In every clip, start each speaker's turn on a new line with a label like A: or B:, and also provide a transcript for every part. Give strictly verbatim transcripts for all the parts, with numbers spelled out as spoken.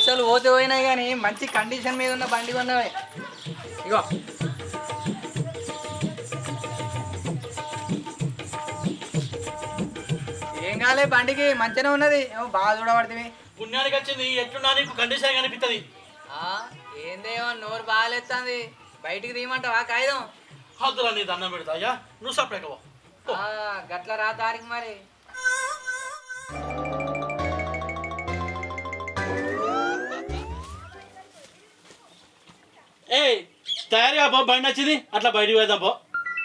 A: పైసలు పోతే పోయినాయి కానీ మంచి కండిషన్ మీద ఉన్న బండి కొన్నవే. ఇగో ఏం కాలే, బండికి మంచిగానే ఉన్నది. ఏమో బాగా చూడబడుతుంది.
B: పుణ్యానికి వచ్చింది ఎట్లున్నా నీకు కండిషన్ కనిపిస్తుంది.
A: ఏందేమో నోరు బాగాలేస్తుంది. బయటికి తీయమంటావా కాగితం?
B: హద్దురా నీ దండం పెడతా అయ్యా, నువ్వు సపరేట్గా
A: గట్ల రా తారీఖు మరి.
B: ఏ తయారుగా పో, బండి వచ్చింది అట్లా బయటికి పోదాం పో.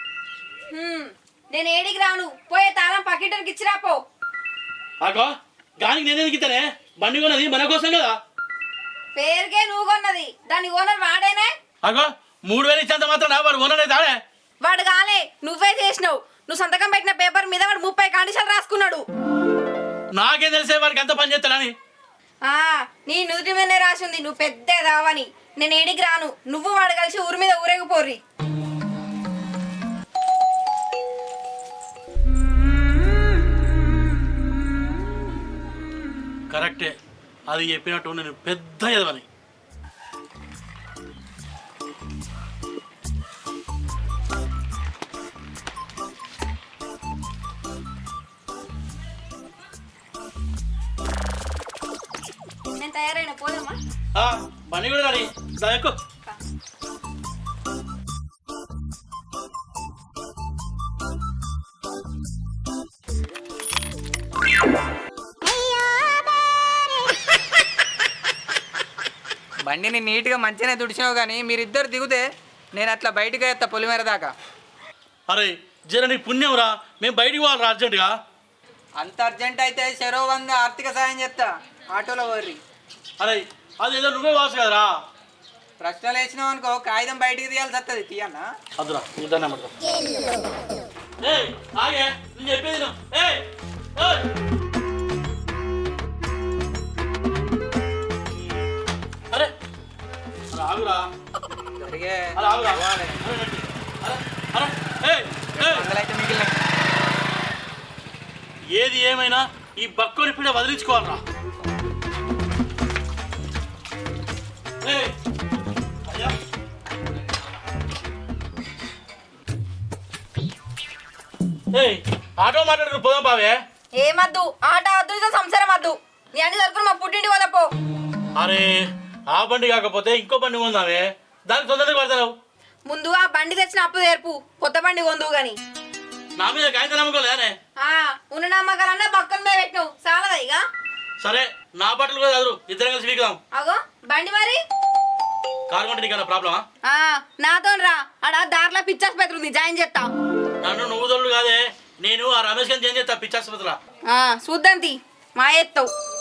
C: నేను ఏడికి రాను, పోయే తాళం పక్కింటికి ఇచ్చిరా పో.
B: అగో గానికి నేనే దిగుతానే, బండి కొన్నది మన కోసం కదా.
C: పేరుకే నువ్వు కొన్నది, దాని ఓనర్ వాడేనే.
B: అగో మూడు వేలు ఇచ్చేంత మాత్రం వాడు ఓనర్ తాడే.
C: వాడు కాలే, నువ్వే చేసినావు. నువ్వు సంతకం పెట్టిన పేపర్ మీద వాడు ముప్పై కండిషన్లు రాసుకున్నాడు.
B: నాకేం తెలిసే వాడికి ఎంత పని చేస్తాడని.
C: ఆ నీ నుదుటి మీదనే రాసింది నువ్వు పెద్ద రావని. నేను ఏడికి రాను, నువ్వు వాడు కలిసి ఊరి మీద ఊరేగిపోర్రి.
B: కరెక్టే, అది చెప్పినట్టు నేను పెద్ద ఎదవని.
C: నేను తయారైన పోదామా?
B: బండి కూడా రాని ఎక్కువ.
A: బండిని నీట్గా మంచిగానే తుడిచావు కానీ మీరిద్దరు దిగుతే నేను అట్లా బయటకు వేస్తా పొలిమేర దాకా.
B: అరే జర నీ పుణ్యం రా, మేము బయటికి పోవాలి అర్జెంటుగా.
A: అంత అర్జెంట్ అయితే చెరో వంద ఆర్థిక సాయం చేస్తా, ఆటోలో వర్రి.
B: అరే అది ఏదో నువ్వే వాసు కదరా.
A: ప్రశ్నలు వేసినావు అనుకో కాగితం బయటికి తీయాల్సి వస్తుంది. తీయన్నా
B: అదురా ఇద్దరు ఆగే నేను చెప్పేది నువ్వు. ఏయ్ అరే ఆగురా,
A: జరిగే
B: అరే ఆగురా.
A: అయితే మిగిలిన
B: ఏది ఏమైనా ఈ బక్కుని పిడ వదిలించుకోవాలరా. ఆటో మాట్లాడు పోదాం బావే.
C: ఏమద్దు, ఆట వద్దు, సంసారం వద్దు. నీ అన్ని దొరుకుని మా పుట్టింటి వల్ల పో.
B: అరే ఆ బండి కాకపోతే ఇంకో బండి కొందామే, దానికి తొందరగా పడతావు.
C: ముందు ఆ బండి తెచ్చిన అప్పు తెరుపు, కొత్త బండి కొందువు గాని.
B: నా మీద కాగితం నమ్మకలేనే.
C: ఉన్న నమ్మకాలన్నా పక్కన మీద పెట్టినావు, చాలదా ఇక?
B: సరే నా బట్టలు కూడా చదువు, ఇద్దరం కలిసి వీకుదాం.
C: అగో బండి మరి
B: కారు కొంటే నీకన్నా ప్రాబ్లమా?
C: నాతో రా, ఆడ దారిలో పిచ్చాసుపత్రి ఉంది, జాయిన్ చేస్తా.
B: నన్ను నువ్వు తోడు కాదే, నేను ఆ రమేష్ గారిని జాయిన్ చేస్తా పిచ్చాసుపత్రిలో.
C: చూద్దాం తీ, మా ఎత్తావు.